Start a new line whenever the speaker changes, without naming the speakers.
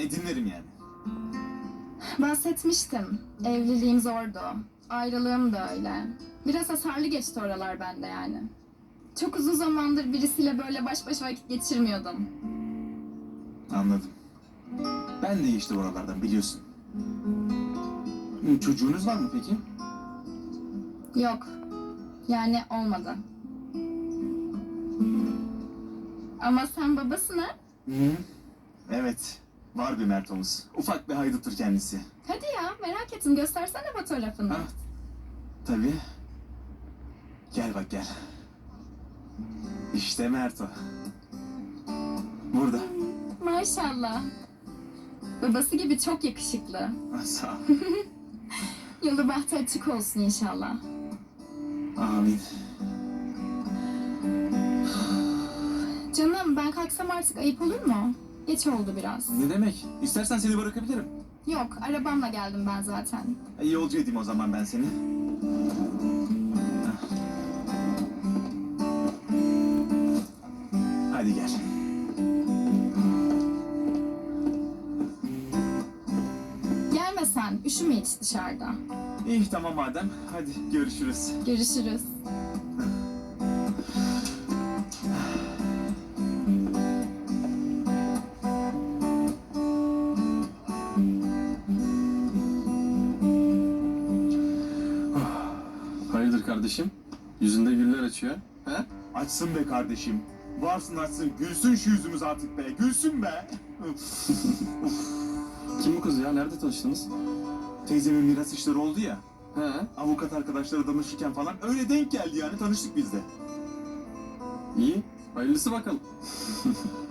Dinlerim yani.
Bahsetmiştim. Evliliğim zordu. Ayrılığım da öyle. Biraz hasarlı geçti oralar bende yani. Çok uzun zamandır birisiyle böyle baş başa vakit geçirmiyordum.
Anladım. Ben de işte oralardan biliyorsun. Çocuğunuz var mı peki?
Yok. Yani olmadı. Ama sen babasın ha?
Hı. Evet. Var bir Mert'omuz. Ufak bir hayduttur kendisi.
Hadi ya merak ettim göstersene fotoğrafını.
Ha? Tabii. Gel bak gel. İşte Mert o. Burada.
Maşallah. Babası gibi çok yakışıklı.
Sağ ol.
Yolu bahtı açık olsun inşallah.
Amin.
Canım ben kalksam artık ayıp olur mu? Geç oldu biraz.
Ne demek? İstersen seni bırakabilirim.
Yok arabamla geldim ben zaten.
Yolcu edeyim o zaman ben seni. Hadi gel.
Gelme sen üşüme hiç dışarıda.
İyi tamam madem. Hadi görüşürüz.
Görüşürüz.
Hayırdır kardeşim? Yüzünde güller açıyor. He?
Açsın be kardeşim. Varsın açsın. Gülsün şu yüzümüz artık be. Gülsün be.
Kim bu kız ya? Nerede tanıştınız?
Teyzemin miras işleri oldu ya.
He?
Avukat arkadaşları danışırken falan öyle denk geldi yani tanıştık biz de.
İyi. Hayırlısı bakalım.